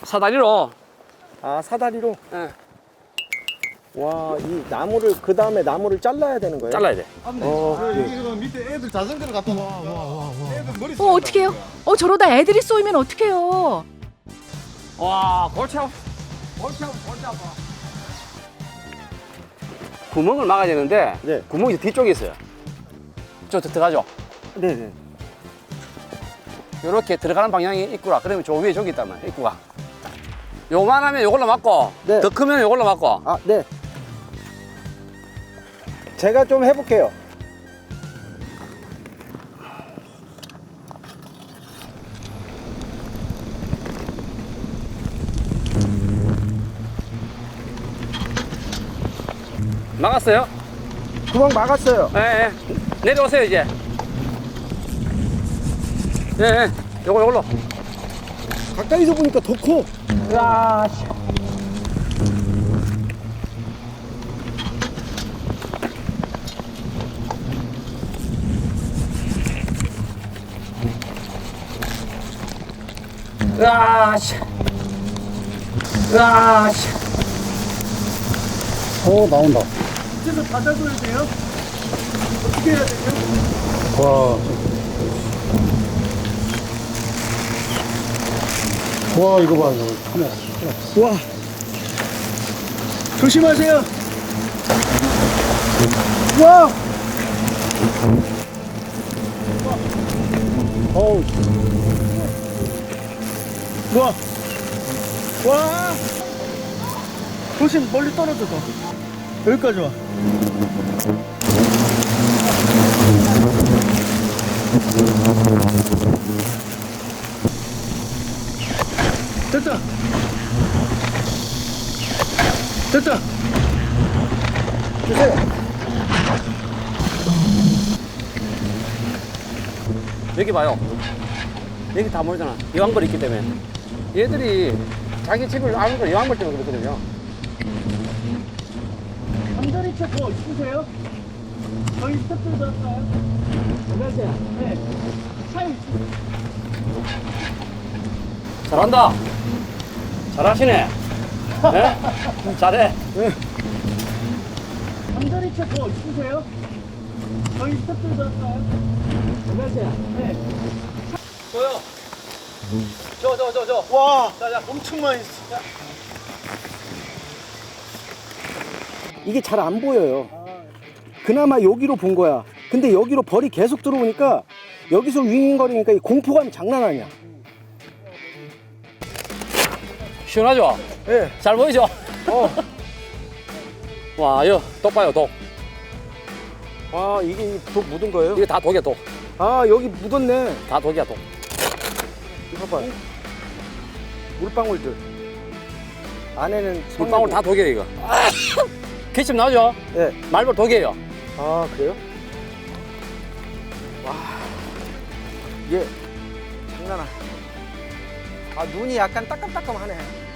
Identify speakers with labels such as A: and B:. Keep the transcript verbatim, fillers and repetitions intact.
A: 사다리로.
B: 아, 사다리로?
A: 예.
B: 와, 이 나무를, 그 다음에 나무를 잘라야 되는 거예요?
A: 잘라야 돼.
B: 어, 예.
C: 이거 밑에 애들 자전거를 갖다 놔. 애들 머리
D: 어, 어떡해요? 어, 저러다 애들이 쏘이면 어떡해요?
A: 와, 골치 아파. 골치 아파, 골치 아파. 구멍을 막아야 되는데,
B: 네.
A: 구멍이 뒤쪽에 있어요. 저 들어가죠?
B: 네네.
A: 요렇게 들어가는 방향이 있구나. 그러면 저 위에 저기 있단 말이야, 입구가. 요만하면 요걸로 막고,
B: 네.
A: 더 크면 요걸로 막고.
B: 아, 네. 제가 좀 해볼게요.
A: 막았어요?
B: 구멍 막았어요.
A: 예, 예. 내려오세요, 이제. 예, 예. 요거, 요걸로.
B: 가까이서 보니까 더 커.
A: 야, 씨. 으아, 씨. 으아, 씨.
C: 어 나온다.
B: 밑에서 받아줘야 돼요? 어떻게 해야 되죠?
C: 와. 와 이거 봐 이거 카메라.
B: 와. 조심하세요. 와. 어우. 와. 와. 조심, 멀리 떨어져서. 여기까지 와. 됐다. 됐다. 주세요.
A: 여기 봐요. 여기 다 모이잖아. 이왕벌이 있기 때문에. 얘들이 자기 집을 아는 걸 이왕벌 때문에 그렇거든요.
B: 잠자리 채더 있으세요? 저희 스태프들 들었어요? 안녕하세요. 네. 차에
A: 잘한다. 잘하시네. 네? 잘해.
B: 잠자리 채더 있으세요? 저희 스태프들 들었어요? 안녕하세요. 네.
A: 저요. 저, 저, 저, 저.
B: 와,
A: 자, 자.
B: 엄청 많이 있어. 이게 잘 안 보여요. 그나마 여기로 본 거야. 근데 여기로 벌이 계속 들어오니까 여기서 윙윙거리니까 이 공포감이 장난 아니야.
A: 시원하죠?
B: 예. 네.
A: 잘 보이죠?
B: 어.
A: 와, 이거 독 봐요, 독.
B: 아, 이게 독 묻은 거예요?
A: 이거 다 독이야, 독.
B: 아, 여기 묻었네.
A: 다 독이야, 독.
B: 이거 봐. 물방울들. 안에는
A: 물방울 다 독이에요, 이거. 기침 나죠?
B: 네.
A: 말벌 독이에요.
B: 아, 그래요? 와. 이게 장난 아니야. 아, 눈이 약간 따끔따끔하네.